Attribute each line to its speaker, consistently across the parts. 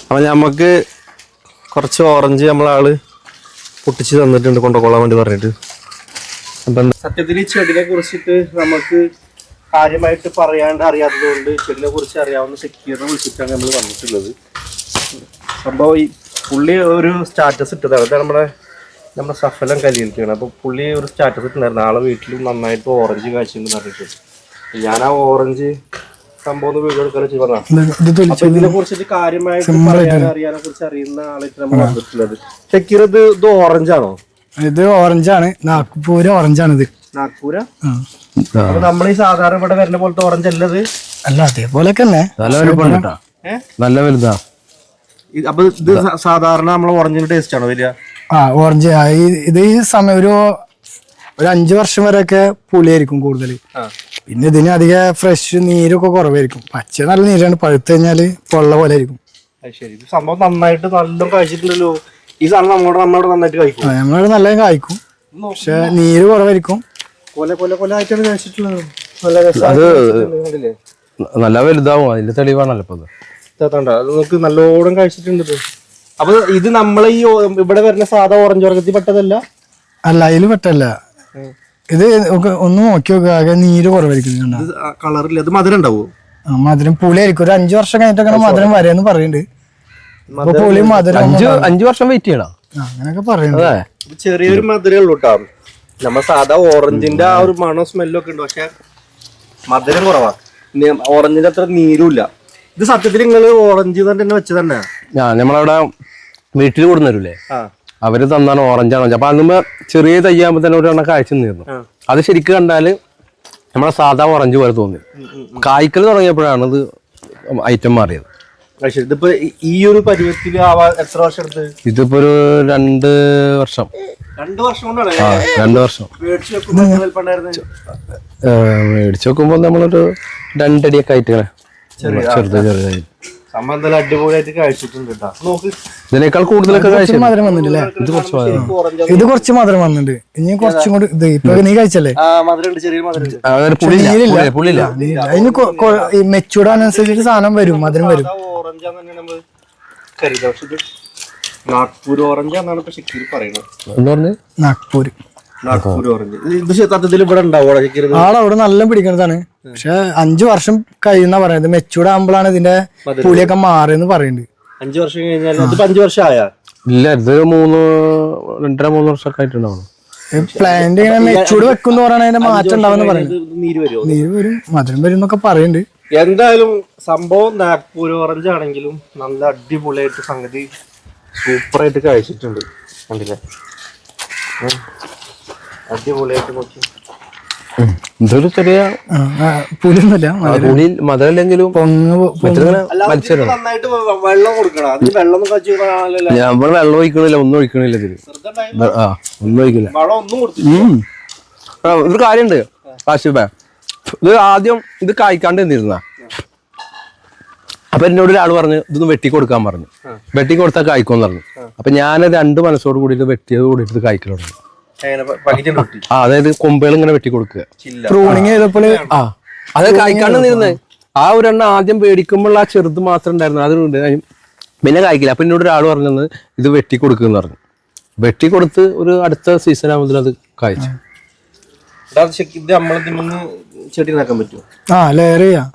Speaker 1: അപ്പം നമുക്ക് കുറച്ച് ഓറഞ്ച് നമ്മളാള് പൊട്ടിച്ച് തന്നിട്ടുണ്ട് കൊണ്ടുകൊള്ളാൻ വേണ്ടി പറഞ്ഞിട്ട്. അപ്പം സത്യത്തിൽ ഈ ചെടിനെ കുറിച്ചിട്ട് നമുക്ക് കാര്യമായിട്ട് പറയാണ്ട് അറിയാത്തത് കൊണ്ട് ചെടിനെ കുറിച്ച് അറിയാവുന്ന സെക്യൂറിനെ വിളിച്ചിട്ടാണ് നമ്മൾ വന്നിട്ടുള്ളത്. സംഭവം ഈ പുള്ളി ഒരു സ്റ്റാറ്റസ് ഇട്ടതാണ്. അതാണ് നമ്മുടെ സഫലം കലിയിലിരിക്കുകയാണ്. അപ്പോൾ പുള്ളി ഒരു സ്റ്റാറ്റസ് ഇട്ടുണ്ടായിരുന്നു, നാളെ വീട്ടിലും നന്നായിട്ട് ഓറഞ്ച് കാഴ്ചയുണ്ടെന്ന് പറഞ്ഞിട്ട്. ഞാൻ ആ ഓറഞ്ച് സംഭവം വീഡിയോ എടുക്കാനും ചെയ്തതാണ്. അപ്പൊ ഇതിനെ കുറിച്ചിട്ട് കാര്യമായിട്ട് അറിയാനെ കുറിച്ച് അറിയുന്ന ആളായിട്ട് നമ്മൾ വന്നിട്ടുള്ളത്. ഷക്കീർ, ഇത് ഓറഞ്ചാണോ?
Speaker 2: ഇത് ഓറഞ്ചാണ്, നാഗ്പൂർ ഓറഞ്ചാണ്. ഇത്
Speaker 1: നാഗ്പൂര. അപ്പൊ നമ്മൾ ഈ സാധാരണ ഇവിടെ വരുന്ന പോലത്തെ ഓറഞ്ച് അല്ലത്?
Speaker 2: അല്ല, അതേപോലെയൊക്കെ തന്നെ,
Speaker 1: നല്ല വലുതാ. അപ്പൊ ഇത് സാധാരണ നമ്മളെ ഓറഞ്ചിന്റെ ടേസ്റ്റ് ആണോ വരിക?
Speaker 2: ഓറഞ്ച് ഇത് ഈ സമയം ഒരു 5 വർഷം വരെയൊക്കെ പുളിയായിരിക്കും കൂടുതൽ. പിന്നെ ഇതിന് അധികം ഫ്രഷ് നീരൊക്കെ കുറവായിരിക്കും. പച്ച നല്ല നീരാണ്, പഴുത്ത് കഴിഞ്ഞാല് പൊള്ള പോലെ ആയിരിക്കും.
Speaker 1: ശരി, സംഭവം നന്നായിട്ട് നല്ല കഴിച്ചിട്ടുണ്ടല്ലോ. ഈ സാധനം നമ്മളിവിടെ നന്നായിട്ട് കഴിക്കും.
Speaker 2: നമ്മളിവിടെ നല്ല കായ്ക്കും, പക്ഷെ നീര് കുറവായിരിക്കും.
Speaker 1: കൊലായിട്ടാണ് കഴിച്ചിട്ടുള്ളത്.
Speaker 3: നല്ല വലുതാവും, അതിന്റെ തെളിവാണല്ലോ
Speaker 1: അത് നമുക്ക് നല്ലോണം കഴിച്ചിട്ടുണ്ട്. അപ്പൊ ഇത് നമ്മളെ ഈ ഇവിടെ വരുന്ന സാധാ ഓറഞ്ച് വർഗത്തിൽ പെട്ടതല്ല?
Speaker 2: അല്ല, അതിൽ പെട്ടല്ല. ഇത് ഒന്ന് നോക്കി നോക്കുക, ആകെ നീര് കുറവായിരിക്കും.
Speaker 1: കളറില്ല. അത് മധുരം ഉണ്ടാവോ?
Speaker 2: മധുരം പുളിയായിരിക്കും. ഒരു 5 വർഷം കഴിഞ്ഞിട്ടൊക്കെ മധുരം വരെയെന്ന് പറയുന്നുണ്ട്. പുളി മധുരം
Speaker 3: 5 വർഷം വെയിറ്റ് ചെയ്യണം
Speaker 2: അങ്ങനെയൊക്കെ പറയുന്നത്.
Speaker 1: ചെറിയൊരു മധുരേ ഉള്ളൂ കേട്ടോ. നമ്മ സാധാ ഓറഞ്ചിന്റെ ആ ഒരു മണോ സ്മെല്ലോ ഒക്കെ ഉണ്ട്, പക്ഷെ മധുരം കുറവാ. ഓറഞ്ചിന്റെ അത്ര നീരുമില്ല. ഇത് സത്യത്തിൽ നിങ്ങള് ഓറഞ്ച് തന്നെ വെച്ചത് തന്നെ?
Speaker 3: നമ്മളവിടെ വീട്ടിൽ കൊടുന്നവരില്ലേ, അവര് തന്നാണ് ഓറഞ്ചാണ്. അപ്പൊ അന്ന് ചെറിയ തയ്യാകുമ്പോ തന്നെ ഒരു എണ്ണം കാഴ്ച നിന്നിരുന്നു. അത് ശരിക്കും കണ്ടാല് നമ്മളെ സാധാ ഓറഞ്ച് പോലെ തോന്നി. കായ്ക്കൽ തുടങ്ങിയപ്പോഴാണ് ഇത് ഐറ്റം മാറിയത്.
Speaker 1: ഇതിപ്പോ ഈ ഒരു പരുവത്തിൽ എത്ര വർഷം എടുത്ത്?
Speaker 3: ഇതിപ്പോ ഒരു 2 വർഷം.
Speaker 1: 2 വർഷം കൊണ്ടാണ്?
Speaker 3: 2 വർഷം. മേടിച്ചു നോക്കുമ്പോ നമ്മളൊരു 2 അടിയൊക്കെ ആയിട്ട് ചെറുതായി
Speaker 1: അടിപൊളിയായിട്ട് കഴിച്ചിട്ടുണ്ട്.
Speaker 3: ഇതിനേക്കാൾ കൂടുതലൊക്കെ
Speaker 2: മധുരം വന്നിട്ടില്ലേ? ഇത് കുറച്ച് മധുരം വന്നിട്ടുണ്ട്. ഇനി കുറച്ചും കൂടി ഇത് ഇപ്പൊ നീ കഴിച്ചല്ലേ, അതിന് മെച്ചൂടാനുസരിച്ചിട്ട് സാധനം വരും, മധുരം വരും.
Speaker 1: നാഗ്പൂർ ഓറഞ്ച് എന്നാണ് ഇപ്പൊ ഷക്കീർ പറയുന്നത്.
Speaker 2: നാഗ്പൂർ
Speaker 1: ഓറഞ്ച് ഇത് സത്യത്തിൽ ഇവിടെ ഉണ്ടാവും?
Speaker 2: അവിടെ നല്ല പിടിക്കുന്നതാണ്, പക്ഷെ 5 വർഷം കഴിയുന്ന പറയുന്നത്. മെച്ചൂർഡ് ആകുമ്പോഴാണ് ഇതിന്റെ പുളിയൊക്കെ മാറിയെന്ന് പറയുന്നുണ്ട്.
Speaker 1: 5 വർഷം കഴിഞ്ഞാൽ 5 വർഷം ആയാ?
Speaker 3: ഇല്ല, ഇത് 2.5-3 വർഷമൊക്കെ ആയിട്ടുണ്ടാവും.
Speaker 2: പ്ലാന്റ് ഇങ്ങനെ മെച്ചൂർഡ് വെക്കുന്ന പറയണ അതിന്റെ മാറ്റം ഉണ്ടാവുന്ന പറയുന്നത്. നീര് വരും, മധുരം വരും എന്നൊക്കെ പറയുന്നുണ്ട്.
Speaker 1: എന്തായാലും സംഭവം നാഗ്പൂർ ഓറഞ്ച് ആണെങ്കിലും നല്ല അടിപൊളിയായിട്ട് സംഗതി സൂപ്പറായിട്ട് കഴിച്ചിട്ടുണ്ട്. കണ്ടില്ലേ, അടിപൊളിയായിട്ട് നോക്കി.
Speaker 3: ഇതൊരു ചെറിയ
Speaker 2: പുളിയൊന്നുമില്ല,
Speaker 3: മധുരല്ലെങ്കിലും
Speaker 1: നന്നായിട്ട് വെള്ളം കൊടുക്കണം. അത് വെള്ളം
Speaker 3: നമ്മൾ വെള്ളം ഒഴിക്കണില്ല, ഒന്നും ഒഴിക്കണില്ല ഇതില്. ഒന്നും ഒഴിക്കില്ല. ഒരു കാര്യണ്ട് കാശിബ, ഇത് ആദ്യം ഇത് കായ്ക്കാണ്ട് എന്തിരുന്ന. അപ്പൊ എന്നോട് ഒരാൾ പറഞ്ഞു ഇതൊന്ന് വെട്ടി കൊടുക്കാൻ പറഞ്ഞു. വെട്ടി കൊടുത്താൽ കായ്ക്കുമെന്ന് പറഞ്ഞു. അപ്പൊ ഞാൻ 2 മനസ്സോട് കൂടിയിട്ട് വെട്ടിയത് കൂടിയിട്ട് കായ്ക്കൽ തുടങ്ങി. അതായത് കൊമ്പുകൾ ഇങ്ങനെ വെട്ടി കൊടുക്കുക. അത് കായ്ക്കാണ്ട് നിന്നിരുന്നേ. ആ ഒരെണ്ണം ആദ്യം പേടിക്കുമ്പോൾ ആ ചെറുത് മാത്രം ഉണ്ടായിരുന്നു, അതുകൊണ്ട് പിന്നെ കായ്ക്കില്ല. അപ്പൊ എന്നോട് ഒരാൾ പറഞ്ഞത് ഇത് വെട്ടി കൊടുക്കുമെന്ന് പറഞ്ഞു. വെട്ടി കൊടുത്ത് ഒരു അടുത്ത സീസൺ ആകുമ്പോൾ അത് കായ്ച്ചു.
Speaker 1: ചെടി നടാൻ പറ്റുമോ?
Speaker 2: ലെയർ ചെയ്യാം.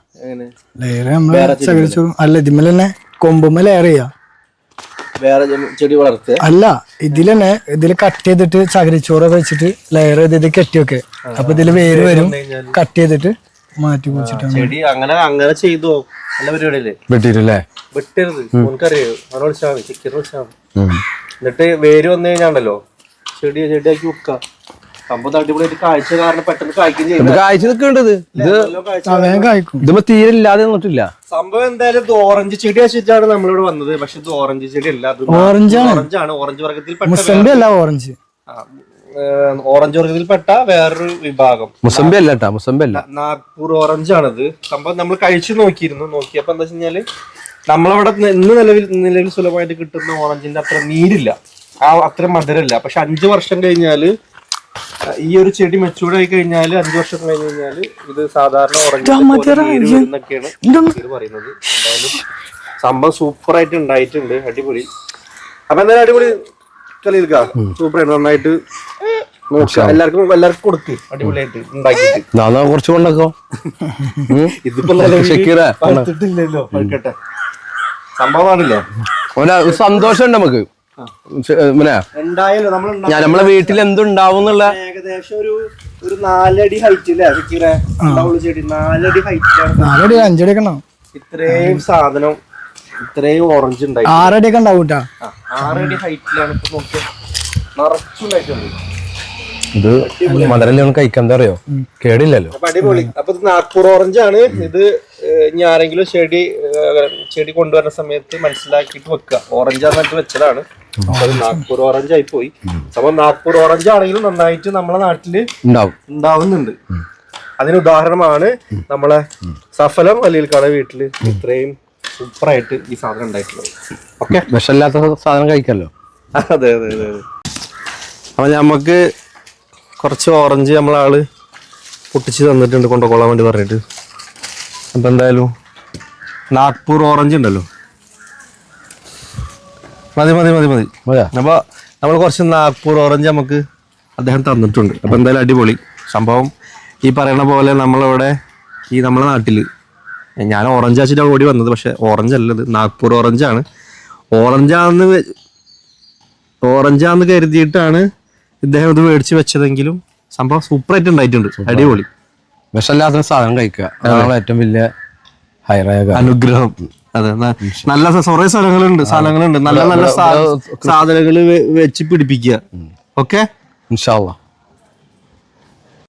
Speaker 2: അല്ല, ഇതിമ്മൽ തന്നെ കൊമ്പുമ്മ ലെയർ ചെയ്യാം.
Speaker 1: വേറെ ചെടി വളർത്തുക
Speaker 2: അല്ല, ഇതില് കട്ട് ചെയ്തിട്ട് ചകിരിച്ചോറൊക്കെ വെച്ചിട്ട് ലെയർ ചെയ്ത് കെട്ടിയൊക്കെ. അപ്പൊ ഇതില് വേര് വരും, കട്ട് ചെയ്തിട്ട് മാറ്റി കുടിച്ചിട്ടാണ്
Speaker 1: ചെടി. അങ്ങനെ ചെയ്തോ? നല്ല പരിപാടിയല്ലേ?
Speaker 3: വെട്ടിയില്ലേ?
Speaker 1: വെട്ടരുത്, നമുക്കറിയോ. അങ്ങനെ വിളിച്ചാൽ മതി, ചിക്കൻ വിളിച്ചാൽ മതി. എന്നിട്ട് വേര് വന്നു കഴിഞ്ഞാണ്ടല്ലോ ചെടിയാക്കി വെക്കുക. സംഭവം അടിപൊളിയായിട്ട് കാഴ്ച കാരണം പെട്ടെന്ന്
Speaker 3: കാഴ്ച നിൽക്കേണ്ടത്. ഇതിപ്പോ തീരെ ഇല്ലാതെ നിന്നിട്ടില്ല
Speaker 1: സംഭവം. എന്തായാലും ഇത് ഓറഞ്ച് ചെടി വെച്ചിട്ടാണ് നമ്മളിവിടെ വന്നത്. പക്ഷെ ഇത് ഓറഞ്ച് ചെടി അല്ല, ഓറഞ്ചാണ്. ഓറഞ്ച് വർഗത്തിൽ
Speaker 2: ഓറഞ്ച്
Speaker 1: ഓറഞ്ച് വർഗത്തിൽപ്പെട്ട വേറൊരു വിഭാഗം.
Speaker 3: മുസംബി അല്ല, മുസംബി അല്ല,
Speaker 1: നാഗ്പൂർ ഓറഞ്ച് ആണിത്. സംഭവം നമ്മൾ കഴിച്ചു നോക്കിയപ്പോ എന്താ വെച്ചാല് നമ്മളവിടെ നിലവിൽ സുലഭമായിട്ട് കിട്ടുന്ന ഓറഞ്ചിന്റെ അത്ര നീരില്ല, അത്ര മധുരമില്ല. പക്ഷെ 5 വർഷം കഴിഞ്ഞാല് ഈ ഒരു ചെടി മെച്ചൂർഡ് ആയി കഴിഞ്ഞാല് 5 വർഷം കഴിഞ്ഞ് കഴിഞ്ഞാല് ഇത് സാധാരണ ഓറഞ്ച് എന്നൊക്കെയാണ് പറയുന്നത്. എന്തായാലും സംഭവം സൂപ്പർ ആയിട്ട് ഉണ്ടായിട്ടുണ്ട്, അടിപൊളി. അപ്പൊ എന്തായാലും അടിപൊളി കളിയിൽക്കാ, സൂപ്പർ ആയിട്ട് നന്നായിട്ട് നോക്കുക, എല്ലാവർക്കും കൊടുക്ക്, അടിപൊളിയായിട്ട് ഉണ്ടാക്കിയിട്ട്.
Speaker 3: കുറച്ച് കൊണ്ടോ
Speaker 1: ഇതിപ്പോ പഴുത്തിട്ടില്ലല്ലോ, പഴുക്കട്ടെ, സംഭവമാണില്ലേ,
Speaker 3: സന്തോഷം നമുക്ക്
Speaker 1: എന്തായാലും
Speaker 3: നമ്മളെ വീട്ടിൽ എന്തുണ്ടാവും എന്നുള്ള
Speaker 1: ഏകദേശം ഒരു 4 അടി ഹൈറ്റ് അല്ലേ ചെടി, 4 അടി ഹൈറ്റിലാണ്
Speaker 2: 4 അടി 5 അടി ഒക്കെ ഉണ്ടാവും.
Speaker 1: ഇത്രയും സാധനം, ഇത്രയും ഓറഞ്ച് ഉണ്ടായി.
Speaker 2: 6 അടി ഒക്കെ ഉണ്ടാവും
Speaker 1: 6 അടി ഹൈറ്റിലാണ് ഇപ്പൊ നോക്കിയാൽ നിറച്ചുണ്ടായിട്ടുണ്ട്.
Speaker 3: ഇത് മധുരം കഴിക്കാൻ എന്താ അറിയോ, കേടില്ലല്ലോ.
Speaker 1: അപ്പൊ അടിപൊളി. അപ്പൊ ഇത് നാഗ്പൂർ ഓറഞ്ച് ആണ്. ഇത് ഇനി ആരെങ്കിലും ചെടി കൊണ്ടുവരുന്ന സമയത്ത് മനസ്സിലാക്കിയിട്ട് വെക്കുക, ഓറഞ്ചാന്നിട്ട് വെച്ചതാണ്. അത് നാഗ്പൂർ ഓറഞ്ച് ആയി പോയി. അപ്പൊ നാഗ്പൂർ ഓറഞ്ച് ആണെങ്കിലും നന്നായിട്ട് നമ്മളെ നാട്ടില് ഉണ്ടാവുന്നുണ്ട്. അതിന് ഉദാഹരണമാണ് നമ്മളെ സഫലം അലിയിൽക്കാട് വീട്ടില് ഇത്രയും സൂപ്പറായിട്ട് ഈ സാധനം ഉണ്ടായിട്ടുള്ളത്. ഓക്കെ,
Speaker 3: വിഷമില്ലാത്ത സാധനം കഴിക്കാമല്ലോ.
Speaker 1: അതെ അതെ അതെ അതെ. അപ്പൊ നമുക്ക് കുറച്ച് ഓറഞ്ച് നമ്മളാള് പൊട്ടിച്ച് തന്നിട്ടുണ്ട് കൊണ്ടുപോകാൻ വേണ്ടി പറഞ്ഞിട്ട്. അപ്പൊ എന്തായാലും നാഗ്പൂർ ഓറഞ്ച് ഉണ്ടല്ലോ, മതി മതി മതി മതി. അപ്പൊ നമ്മൾ കുറച്ച് നാഗ്പൂർ ഓറഞ്ച് നമുക്ക് അദ്ദേഹം തന്നിട്ടുണ്ട്. അപ്പൊ എന്തായാലും അടിപൊളി സംഭവം. ഈ പറയുന്ന പോലെ നമ്മളവിടെ നമ്മളെ നാട്ടില് ഞാൻ ഓറഞ്ച് ആച്ചിട്ടാണ് ഓടി വന്നത്, പക്ഷെ ഓറഞ്ച് അല്ലത്, നാഗ്പൂർ ഓറഞ്ചാണ്. ഓറഞ്ചാന്ന് കരുതിയിട്ടാണ് ഇദ്ദേഹം ഇത് മേടിച്ച് വെച്ചതെങ്കിലും സംഭവം സൂപ്പറായിട്ട് ഉണ്ടായിട്ടുണ്ട്, അടിപൊളി.
Speaker 3: വിഷമില്ലാത്ത സാധനം കഴിക്കുക ഏറ്റവും വലിയ
Speaker 1: അനുഗ്രഹം. അതെ, നല്ല കുറെ സ്ഥലങ്ങളുണ്ട് നല്ല നല്ല സാധനങ്ങൾ വെച്ച് പിടിപ്പിക്കുക. ഓക്കെ,
Speaker 3: ഇൻഷാ അല്ലാഹ്.